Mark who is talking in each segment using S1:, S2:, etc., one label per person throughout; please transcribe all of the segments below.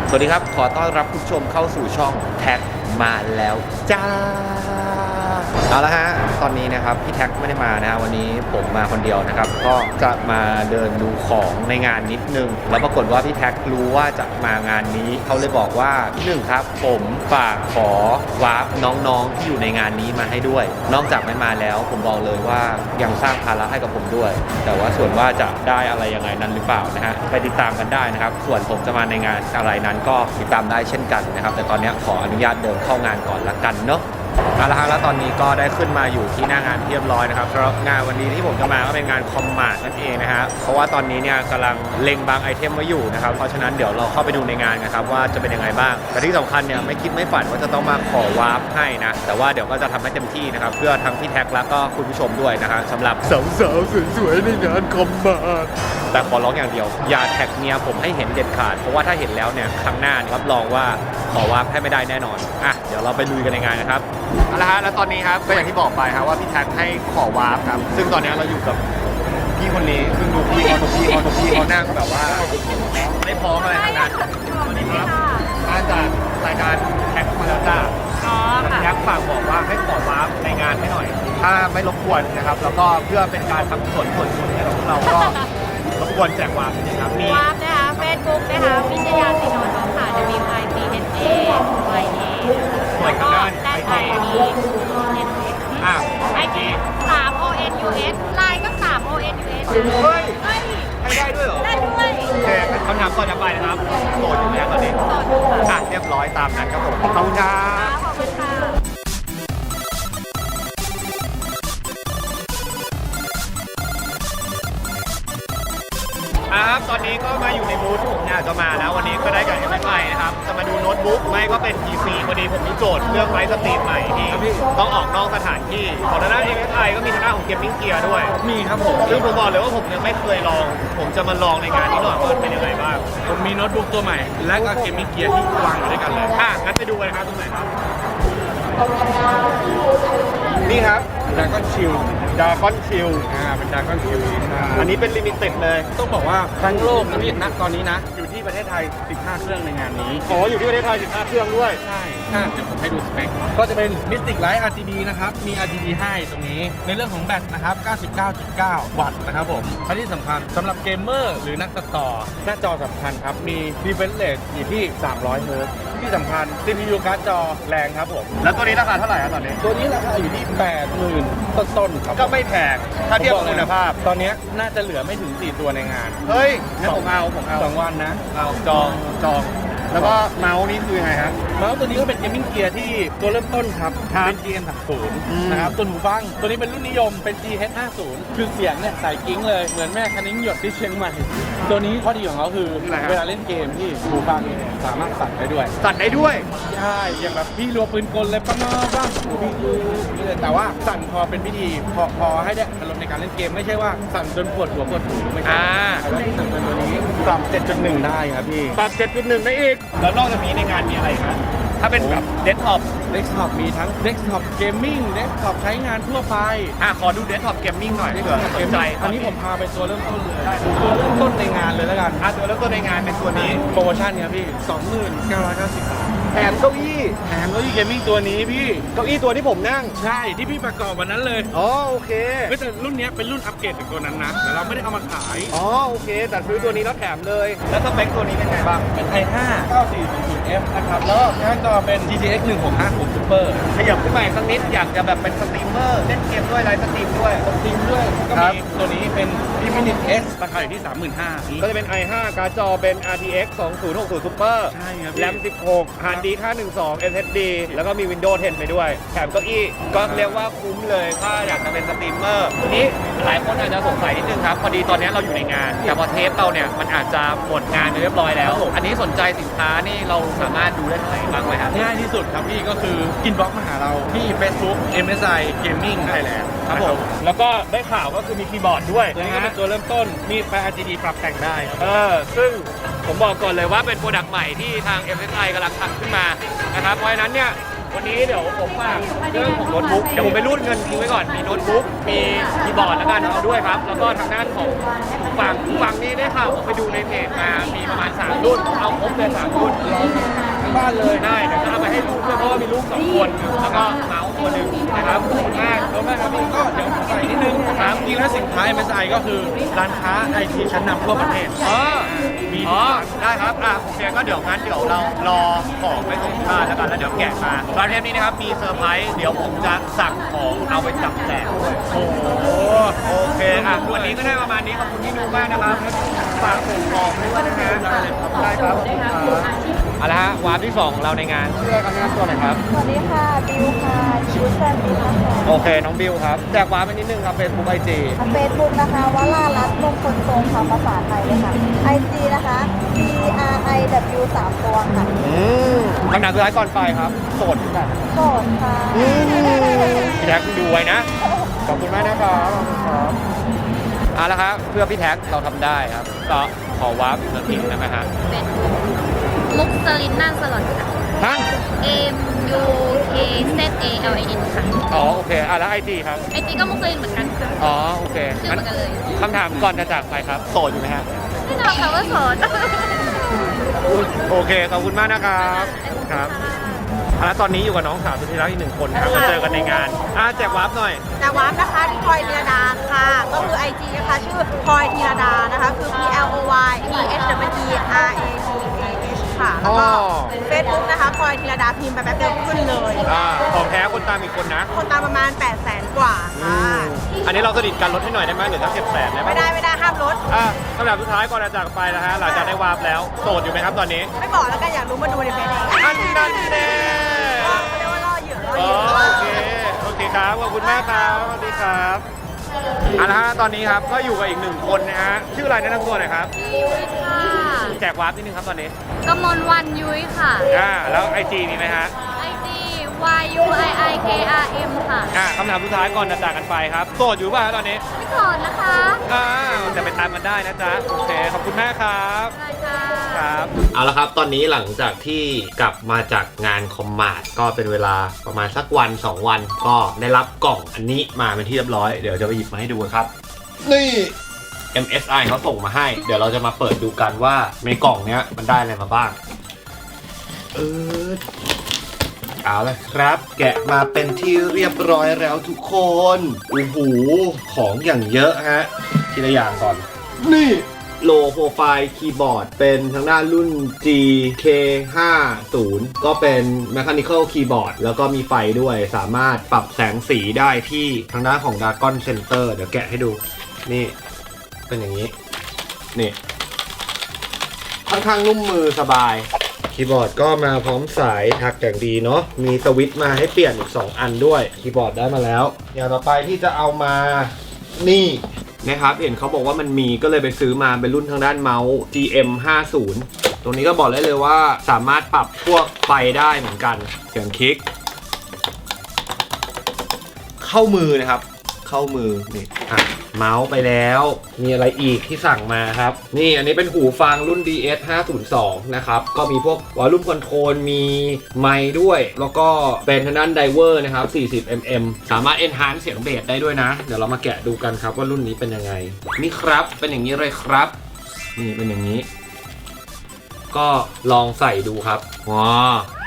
S1: สวัสดีครับขอต้อนรับคุณผู้ชมเข้าสู่ช่องแท็กมาแล้วจ้าเอาละฮะตอนนี้นะครับพี่แท็กไม่ได้มานะวันนี้ผมมาคนเดียวนะครับก็จะมาเดินดูของในงานนิดนึงแล้วปรากฏว่าพี่แท็กรู้ว่าจะมางานนี้เขาเลยบอกว่าพี่หนึ่งครับผมฝากขอวาร์ปน้องๆที่อยู่ในงานนี้มาให้ด้วยนอกจากไม่มาแล้วผมบอกเลยว่ายังสร้างภาระให้กับผมด้วยแต่ว่าส่วนว่าจะได้อะไรยังไงนั้นหรือเปล่านะฮะไปติดตามกันได้นะครับส่วนผมจะมาในงานอะไรนั้นก็ติดตามได้เช่นกันนะครับแต่ตอนนี้ขออนุญาตเดินเข้างานก่อนละกันเนาะเอาละฮะแล้วตอนนี้ก็ได้ขึ้นมาอยู่ที่หน้างานเรียบร้อยนะครับสำหรับงานวันนี้ที่ผมจะมาก็เป็นงานคอมมาร์ทนั่นเองนะฮะเพราะว่าตอนนี้เนี่ยกำลังเล็งบางไอเทมไว้อยู่นะครับเพราะฉะนั้นเดี๋ยวเราเข้าไปดูในงานกันครับว่าจะเป็นยังไงบ้างแต่ที่สำคัญเนี่ยไม่คิดไม่ฝันว่าจะต้องมาขอวาร์ปให้นะแต่ว่าเดี๋ยวก็จะทำให้เต็มที่นะครับเพื่อทั้งพี่แท็กแล้วก็คุณผู้ชมด้วยนะฮะสำหรับสาวๆสวยๆในงานคอมมาร์ทแต่ขอร้องอย่างเดียวอย่าแท็กเมียผมให้เห็นเด็ดขาดเพราะว่าถ้าเห็นแล้วเนี่ยครั้งหน้ารับรองว่าขอวาร์ปให้ไม่ได้แน่นอนอ่ะเดี๋ยวเราไปลุยกันในงานนะครับเอาละฮะแล้วตอนนี้ครับก็อย่างที่บอกไปครับว่าพี่แท็กให้ขอวาร์ปครับซึ่งตอนนี้เราอยู่กับพี่คนนี้ซึ่งดูพี่เขานั่งแบบว่าไม่พร้อมอะไรทั้งนั้นสวัสดีครับมาจากรายการแท็กมาแล้วจ้าแท็กฝากบอกว่าให้ขอวาร์ปในงานให้หน่อยถ้าไม่รบกวนนะครับแล้วก็เพื่อเป็นการทำส่วนบุญให้กับเราก็รบกวนแจกวาร์ปนะครับมี
S2: วาร์ปนะคะเฟซบุ๊กนะคะวิชยาศิโนทองค่ะ WICHAYA แล้วก็ได้ไอจีไอจี3ONUS ไลน์ก็3ONUS
S1: เฮ้ยให้ได้ด้วยเหรอ
S2: ได้ด้วย
S1: โอเคคำถามก่อนจะไปนะครับโสดอยู่แล้วตอนนี้
S2: โสดอยู่ค่ะ
S1: เรียบร้อยตามนั้นครับผมขอบคุณครับ
S2: ขอบคุณค่ะ
S1: ครับตอนนี้ก็มาอยู่ในบูธที่ผมอยากจะมาแล้ววันนี้ก็ได้กับ MSI นะครับจะมาดูโน้ตบุ๊กไม่ก็เป็น PC พอดีผมมีโจทย์เรื่องไลฟ์สตรีมใหม่ที่ต้องออกนอกสถานที่ของทางด้าน MSI ก็มีทางด้านของเกมมิ่งเกียร์ด้วย
S3: มีครับผม
S1: ซึ่งผมบอกเลยว่าผมยังไม่เคยลองผมจะมาลองในงานนี้หน่อยว่าเป็นยังไงบ้าง
S3: ผมมีโน้ตบุ๊กตัวใหม่ และก็เกมมิ่งเกียร์ที่วางอยู่ด้วยกันเลย
S1: งั้นไปดูกันครับตรงไหนครับนี่ครับ
S3: Dragon Shield
S1: ดากอนชิล
S3: เป็น Dragon Shield
S1: อันนี้เป็นลิมิเต็ดเลย
S3: ต้องบอกว่าทั้งโลกนะพี่ณตอนนี้นะอยู่ที่ประเทศไทย 15 เครื่องในงานนี้
S1: อ๋ออยู่ที่ประเทศไทย15เครื่องด้วย
S3: ใช่เดี๋ยวผมให้ดูสเปคก็จะเป็น Mystic Light RGB นะครับมี RGB ให้ตรงนี้ในเรื่องของแบตนะครับ 99.9 วัตต์นะครับผมและที่สำคัญสำหรับเกมเมอร์หรือนักตัดต่อหน้าจอสำคัญครับมี refresh rate อยู่ที่300 Hz ที่สำคัญ CPU การ์ดจอแรงครับผม
S1: แล้วตัวนี้ราคาเท่าไหร่ครับตอนนี้
S3: ตัวนี้ราคาอยู่ที่ 80,000 ต้นๆครับ
S1: ก็ไม่แพงถ้าเทียบกับคุณภาพ
S3: ตอนนี้น่าจะเหลือไม่ถึง4ตัวในงาน
S1: เฮ้ยงั้นผมเอา
S3: 2 วันนะ
S1: เอาจองแล้วก็เมาส์นี่คือไงฮะ
S3: เมาส์ตัวนี้ก็เป็นเกมมิ่งเกียร์ที่ตัวเริ่มต้นครับเป็น GM30 นะครับตัวหูฟังตัวนี้เป็นรุ่นนิยมเป็น GH50 คือเสียงเนี่ยใส่กิ้งเลยเหมือนแม่คันนิ้งหยดที่เชียงใหม่ตัวนี้ข้อดีของเขาคือเวลาเล่นเกมที่หูฟังสามารถสั่นได้ด้วยใช่อย่างแบบพี่รัวปืนกลเลยปังบ้างพี่นี่เลยแต่ว่าสั่นพอเป็นพิธีพอให้ได้อารมณ์ในการเล่นเกมไม่ใช่ว่าสั่นจนปวดหัวปวดหูไม่ใช่แล้วที่สำคัญตัวนี้ปรับ 7.1 ได้ครับพี่
S1: ปรับ 7.1 ได้อีกแล้วนอกจากนี้ในงานมีอะไรครับถ้าเป็นแบบเดสก์ท็อป
S3: มีทั้งเดสก์ท็อปเกมมิ่งเดสก์ท็อปใช้งานทั่วไป
S1: ขอดูเดสก์ท็อปเกมมิ่งหน่อยเผื่อสนใจ
S3: อันนี้ผมพาไปตัวเริ่มต้นเลยตัวเริ่มต้นในงานเลยแล้วกัน
S1: ตัวเริ่มต้นในงานเป็นตัวนี้
S3: โปรโมชั่นเนี่ยพี่ 2990 บาท
S1: แถมเก้าอี้
S3: เกมมิ่งตัวนี้พี่
S1: เก้าอี้ตัวที่ผมนั่ง
S3: ใช่ที่พี่ประกอบวันนั้นเลย
S1: โอเค
S3: แต่รุ่นนี้เป็นรุ่นอัปเกรดจากตัวนั้นนะแต่เราไม่ได้เอามาขาย
S1: โอเคแต่ซื้อตัวนี้แล้วแถมเลยแล้วสเปคตัวนี้เป็นไงบ้าง
S3: เป็น i5 9400F นะครับแล้วหน้าจอเป็น GTX 1650 Super
S1: ขยับขึ้นมาสักนิดอยากจะแบบเป็นสตรีมเมอร์เล่นเกมด้วยไลฟ์สตรีมด้วย
S3: ก็มีตัวนี้เป็น Infinix S ราคาอยู่ที่ 35,000
S1: ก็จะเป็น i5 การ์ดจอเป็น RTX 2060 Super
S3: ใช่ครับ
S1: แรม16 Hard Disk 512 SSD แล้วก็มี Windows 10 ไปด้วยแถมเก้าอี้ก็เรียกว่าคุ้มเลยถ้าอยากจะเป็นสตรีมเมอร์ทีนี้หลายคนอาจจะสงสัยนิดนึงครับพอดีตอนนี้เราอยู่ในงานแต่พอเทปเราเนี่ยมันอาจจะหมดงานไปเรียบร้อยแล้วอันนี้สนใจสินค้านี่เราสามารถดูได้ที่ไหนบ้างไหมครับ
S3: ง่ายที่สุดครับพี่ก็คืออินบ็อกซ์มาหาเราที่ Facebook MSI Gaming Thailand
S1: ครับผมแล้วก็ได้ข่าวก็คือมีคีย์บอร์ดด้วย
S3: ตัวนี้ก็เป็นตัวเริ่มต้นมีไฟ RGB ปรับแต่งได้
S1: ซึ่งผมบอกก่อนเลยว่าเป็นโปรดักต์ใหม่ที่ทาง MSI กำลังทำขึ้นมานะครับเพราะฉะนั้นเนี่ยวันนี้เดี๋ยวผมฝากเรื่องของโน้ตบุ๊กเดี๋ยวผมไปรูดเงินทิ้งไว้ก่อนมีโน้ตบุ๊กมีคีย์บอร์ดแล้วกันเอาด้วยครับแล้วก็ทางด้านของฝั่งนี้ได้ข่าวผมไปดูในเพจมามีประมาณ3รุ่นเอาครบเลย3รุ่นทั้งบ้านเลยได้เดี๋ยวจะเอาไปให้ลูกด้วยเพราะว่ามีลูก2คนแล้วก็เมาส์ตัวหนึ่งนะครับขอบคุณมาก
S3: แล้วแม่ครับพี่ก็เดี๋ยวใส่นิดนึงนะครับจริงแล้วสินค้า MSI ก็คือร้านค้าไอทีชั้นนำทั่วประเทศ มี
S1: ได้ครับโอเคก็เดี๋ยวงั้นเดี๋ยวเรารอของไปส่งที่บ้านแล้วกันแล้วเดี๋ยวแกะมาตอนเทปนี้นะครับมีเซอร์ไพรส์เดี๋ยวผมจะสั่งของเอาไปจับแจกด้วยโอ้โอเควันนี้ก็ได้ประมาณนี้ขอบคุณที่ดูมากนะครับฝากส่งของด้วยนะฮะได้ครับเอาละฮะวาร์ปที่2ของเราในงานชื่ออะไรครับแนะนำตัวหน่อยครับ
S4: สวัสดีค่ะ บิวค่ะชิวแซนบิวนะคะ
S1: โอเคน้องบิวครับแจกวาร์ปไปนิดนึงครับเฟซบุ๊กไอจี
S4: เฟซบุ๊กนะคะวรารัตน์มงคลทรงค่ะภาษาไทยเลยค่ะ IG นะคะ BRIW 3 ตัวค่ะ
S1: คำถามสุดท้ายก่อนไปครับโสดกัน
S4: โสดค่ะ
S1: พี่แท็กดูไว้นะขอบคุณมากนะครับขอบคุณครับเอาละครับเพื่อพี่แท็กเราทำได้ครับก็ขอวาร์ปอีกสักทีได้ไหมฮะ
S2: เป็นมุกสลินนั่นสลอดค่ะ
S1: ฮะ
S2: MUKZALIN ค่ะ
S1: อ๋อโอเคแล้วไอจีครับ
S2: ไอจีก็มุกสลินเหมือนกันค่ะ
S1: อ๋อโอเค
S2: ชื่อเหมือนกันเลย
S1: คำถามก่อนจะจากไปครับโสดอยู่ไหมฮะ
S2: แน่นอนค่ะว่าโสด
S1: โอเคขอบคุณมากนะครับครับแล้วตอนนี้อยู่กับน้องสาวสุดที่รักอีก1 คนครับมาเจอกันในงานแจกวาร์ปหน่อย
S4: แต่วาร์ปนะคะที่พลอยธีรดาค่ะ ก็คือ IG นะคะชื่อพลอยธีรดานะคะ คือ PLOYEHWTRADAH ค่ะ แล้วก็เฟซบุ๊กนะคะพลอยธีรดาพิมพ์ไปแป๊บเดียวขึ้นเลย
S1: ของแท้คนตามอีกคนนะ
S4: คนตามประมาณ 800,000 กว่าค่ะ
S1: อันนี้เราสนิทกันลดให้หน่อยได้ไหมหรือสัก700,000ได้ไหม
S4: ไม่ได้ห้ามลด
S1: คำถามสุดท้ายก่อนจะจากไปนะฮะหลังจากได้วาร์ปแล้วโสดอยู่ไหมครับตอนนี้
S4: ไม่บอกแล้วกันอยากรู้มาดูในเพจเอง
S1: อันนั้นแน่
S4: เขาเรียกว่าล่อเหยื่อ
S1: โอเคครับขอบคุณมากครับสวัสดีครับเอาละฮะตอนนี้ครับก็อยู่กับอีก1 คนนะฮะชื่ออะไรแนะนำตัวหน่อยครับ
S2: ยุ้ยค่ะ
S1: แจกวาร์ปนิดนึงครับตอนนี้
S2: กมลวันยุ้ยค่ะ
S1: แล้วไอจีมีไหมฮะ
S2: IG YUIIKRM ค่ะ
S1: คำถามสุดท้ายก่อนจะจากกันไปครับโสดอยู่ป่ะฮะตอนนี้
S2: ไม่โสดนะคะ
S1: จะไปตามกันได้นะจ๊ะโอเคขอบคุณมากครับ
S2: ได้ค่ะ
S1: ครับเอาละครับตอนนี้หลังจากที่กลับมาจากงานคอมมาร์ทก็เป็นเวลาประมาณสักวัน2 วันก็ได้รับกล่องอันนี้มาเป็นที่เรียบร้อยเดี๋ยวจะไปหยิบมาให้ดูครับนี่ MSI เขาส่งมาให้เดี๋ยวเราจะมาเปิดดูกันว่าในกล่องเนี้ยมันได้อะไรมาบ้างเอาละครับแกะมาเป็นที่เรียบร้อยแล้วทุกคนโอ้โหของอย่างเยอะฮะทีละอย่างก่อนนี่โลโปรไฟล์คีย์บอร์ดเป็นทางด้านรุ่น GK50 ก็เป็น Mechanical Keyboard แล้วก็มีไฟด้วยสามารถปรับแสงสีได้ที่ทางด้านของ Dragon Center เดี๋ยวแกะให้ดูนี่เป็นอย่างนี้นี่ค่อนข้างนุ่มมือสบายคีย์บอร์ดก็มาพร้อมสายถักอย่างดีเนาะมีสวิตช์มาให้เปลี่ยนอีก2 อันด้วยคีย์บอร์ดได้มาแล้วอย่างต่อไปที่จะเอามานี่นะครับเห็นเขาบอกว่ามันมีก็เลยไปซื้อมาเป็นรุ่นทางด้านเมาส์ GM50 ตรงนี้ก็บอกได้เลยว่าสามารถปรับพวกไฟได้เหมือนกันเสียงคลิกเข้ามือนะครับเข้ามือนี่เมาส์ไปแล้วมีอะไรอีกที่สั่งมาครับนี่อันนี้เป็นหูฟังรุ่น DS502 นะครับก็มีพวกวอลลุ่มคอนโทรลมีไมค์ด้วยแล้วก็เป็นทางด้านไดเวอร์นะครับ40mm สามารถ enhance เสียงเบสได้ด้วยนะเดี๋ยวเรามาแกะดูกันครับว่ารุ่นนี้เป็นยังไงนี่ครับเป็นอย่างนี้เลยครับนี่เป็นอย่างนี้ก็ลองใส่ดูครับว้า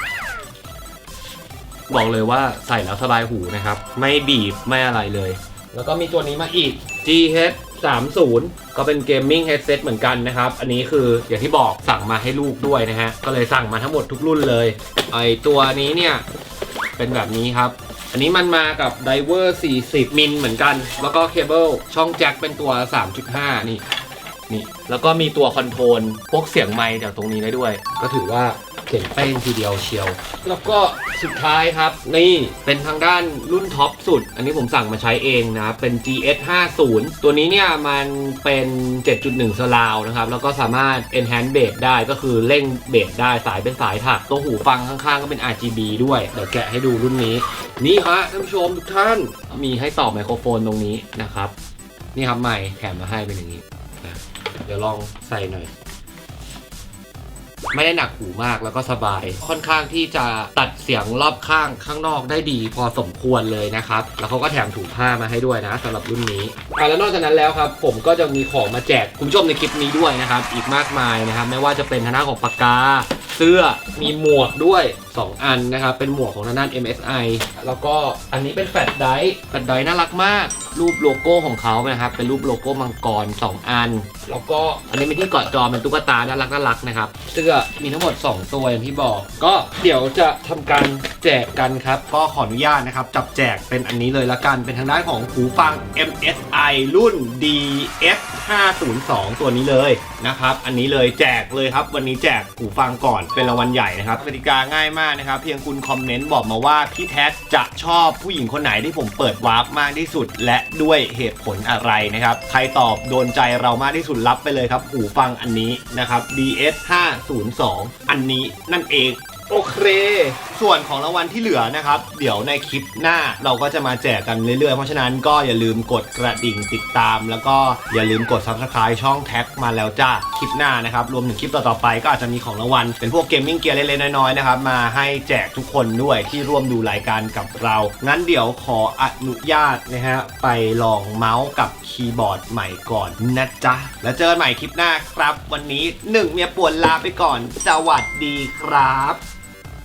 S1: บอกเลยว่าใส่แล้วสบายหูนะครับไม่บีบไม่อะไรเลยแล้วก็มีตัวนี้มาอีก GH30 ก็เป็นเกมมิ่งเฮดเซตเหมือนกันนะครับอันนี้คืออย่างที่บอกสั่งมาให้ลูกด้วยนะฮะก็เลยสั่งมาทั้งหมดทุกรุ่นเลยไอตัวนี้เนี่ยเป็นแบบนี้ครับอันนี้มันมากับไดเวอร์40มิลเหมือนกันแล้วก็เคเบิลช่องแจ็คเป็นตัว 3.5 นี่แล้วก็มีตัวคอนโทรลพวกเสียงไมค์จากตรงนี้ได้ด้วยก็ถือว่าเขียนเป้งทีเดียวเชียวแล้วก็สุดท้ายครับนี่เป็นทางด้านรุ่นท็อปสุดอันนี้ผมสั่งมาใช้เองนะเป็น GS50 ตัวนี้เนี่ยมันเป็น 7.1 surround นะครับแล้วก็สามารถ enhance bass ได้ก็คือเร่งเบสได้สายเป็นสายถักตัวหูฟังข้างๆก็เป็น RGB ด้วยเดี๋ยวแกะให้ดูรุ่นนี้นี่ฮะท่านผู้ชมทุกท่านมีให้ต่อไมโครโฟนตรงนี้นะครับนี่ครับไมค์แถมมาให้เป็นอย่างนี้นะเดี๋ยวลองใส่หน่อยไม่ได้หนักหูมากแล้วก็สบายค่อนข้างที่จะตัดเสียงรอบข้างข้างนอกได้ดีพอสมควรเลยนะครับแล้วเขาก็แถมถุงผ้ามาให้ด้วยนะสำหรับรุ่นนี้แล้วนอกจากนั้นแล้วครับผมก็จะมีของมาแจกคุณผู้ชมในคลิปนี้ด้วยนะครับอีกมากมายนะครับไม่ว่าจะเป็นทางด้านของปากกาเสื้อมีหมวกด้วย2 อันนะครับเป็นหมวกของทางด้าน MSI แล้วก็อันนี้เป็นแฟลชไดร์น่ารักมากรูปโลโก้ของเขานะครับเป็นรูปโลโก้มังกร2 อันแล้วก็อันนี้เป็นที่เกาะจอเป็นตุ๊กตาน่ารักนะครับเสื้อมีทั้งหมด2 ตัวอย่างที่บอกก็เดี๋ยวจะทำการแจกกันครับก็ขออนุญาตนะครับจับแจกเป็นอันนี้เลยละกันเป็นทางด้านของหูฟัง MSI รุ่น DS502 ตัวนี้เลยนะครับอันนี้เลยแจกเลยครับวันนี้แจกหูฟังก่อนเป็นรางวัลใหญ่นะครับกติกาง่ายมากนะครับเพียงคุณคอมเมนต์บอกมาว่าพี่แท็กจะชอบผู้หญิงคนไหนที่ผมเปิดวาร์ปมากที่สุดและด้วยเหตุผลอะไรนะครับใครตอบโดนใจเรามากที่สุดรับไปเลยครับหูฟังอันนี้นะครับ DS502 อันนี้นั่นเองโอเคส่วนของรางวัลที่เหลือนะครับเดี๋ยวในคลิปหน้าเราก็จะมาแจกกันเรื่อยๆเพราะฉะนั้นก็อย่าลืมกดกระดิ่งติดตามแล้วก็อย่าลืมกด Subscribe ช่องแท็กมาแล้วจ้าคลิปหน้านะครับรวมถึงคลิปต่อๆไปก็อาจจะมีของรางวัลเป็นพวกเกมมิ่งเกียร์เล็กๆน้อยๆนะครับมาให้แจกทุกคนด้วยที่ร่วมดูรายการกับเรางั้นเดี๋ยวขออนุญาตนะฮะไปลองเมาส์กับคีย์บอร์ดใหม่ก่อนนะจ๊ะแล้วเจอกันใหม่คลิปหน้าครับวันนี้1เมียป่วนลาไปก่อนสวัสดีครับ